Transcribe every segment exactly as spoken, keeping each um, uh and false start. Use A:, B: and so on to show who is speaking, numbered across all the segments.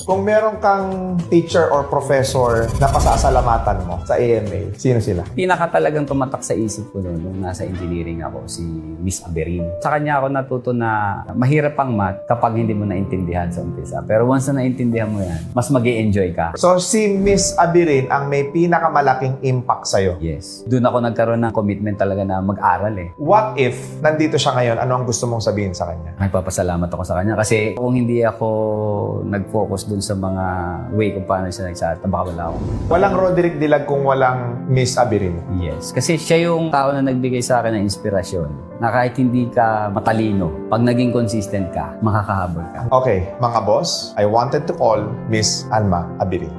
A: Kung meron kang teacher or professor na pasasalamatan mo sa A M A, sino sila?
B: Pinaka talagang tumatak sa isip ko noon nung nasa engineering ako, si Miss Aberin. Sa kanya ako natuto na mahirap ang math kapag hindi mo naintindihan sa umpisa. Pero once na naintindihan mo yan, mas mag-i-enjoy ka.
A: So, si Miss Abirin ang may pinakamalaking impact sa'yo.
B: Yes. Doon ako nagkaroon ng commitment talaga na mag-aral eh.
A: What if nandito siya ngayon, ano ang gusto mong sabihin sa kanya?
B: Nagpapasalamat ako sa kanya kasi kung hindi ako nag-focus dun sa mga way kung paano siya nagsalita, baka wala ako.
A: Walang Roderick Dilag kung walang Miss Abirin.
B: Yes. Kasi siya yung tao na nagbigay sa akin ng inspirasyon na kahit hindi ka matalino, pag naging consistent ka, makakahabol ka.
A: Okay, mga boss, I wanted to call Miss Alma Abirin.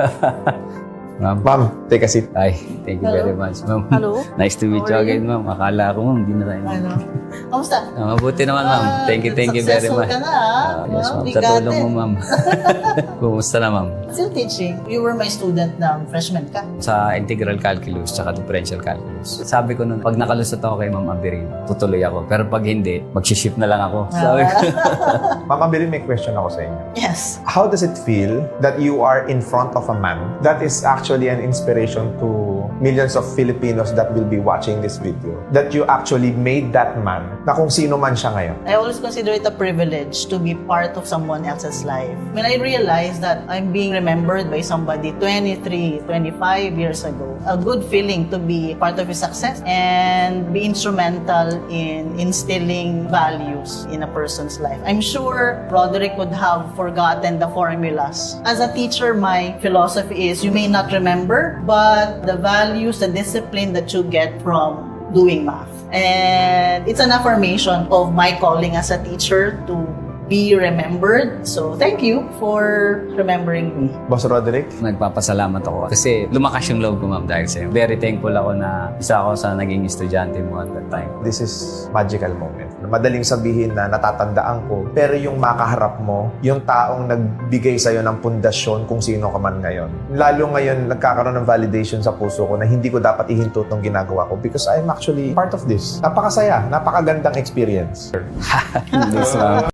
B: Ma'am,
A: Ma'am, take a seat.
B: ay, thank you
C: Hello.
B: very much, ma'am.
C: Hello.
B: Nice to meet you
C: How are
B: again, ma'am. Akala ko, ma'am, hindi na tayo.
C: Ano? Kamusta?
B: Ah, mabuti naman, ma'am.
C: Ah,
B: Thank you, thank you very
C: successful
B: much.
C: ka na, ah.
B: Ah, yes,
C: Wow,
B: ma'am. Sa
C: bigatin.
B: tulong mo, ma'am. Kumusta na, ma'am?
C: Still teaching. You were my student ng freshman ka.
B: Sa integral calculus tsaka differential calculus. Sabi ko nun, pag nakalusot ako kay Ma'am Aberin, tutuloy ako. Pero pag hindi, mag-shift na lang ako. Sabi ko.
A: Ma'am Abirin, may question ako sa inyo.
C: Yes.
A: How does it feel that you are in front of a man that is actually an inspiration to millions of Filipinos that will be watching this video? That you actually made that man na kung sino man siya ngayon.
C: I always consider it a privilege to be part of someone else's life. When I realized that I'm being remembered by somebody twenty-three, twenty-five years ago, a good feeling to be part of his success and be instrumental in instilling values in a person's life. I'm sure Roderick would have forgotten the formulas. As a teacher, my philosophy is you may not remember, but the values, the discipline that you get from doing math. And it's an affirmation of my calling as a teacher to be remembered. So, thank you for remembering me.
A: Boss Roderick?
B: Nagpapasalamat ako kasi lumakas yung loob ko, ma'am, dahil sa'yo. Very thankful ako na isa ako sa naging estudyante mo at that time.
A: This is magical moment. Madaling sabihin na natatandaan ko, pero yung makaharap mo, yung taong nagbigay sa'yo ng pundasyon kung sino ka man ngayon. Lalo ngayon, nagkakaroon ng validation sa puso ko na hindi ko dapat ihinto itong ginagawa ko because I'm actually part of this. Napakasaya, napakagandang experience.
B: Yes, ma'am.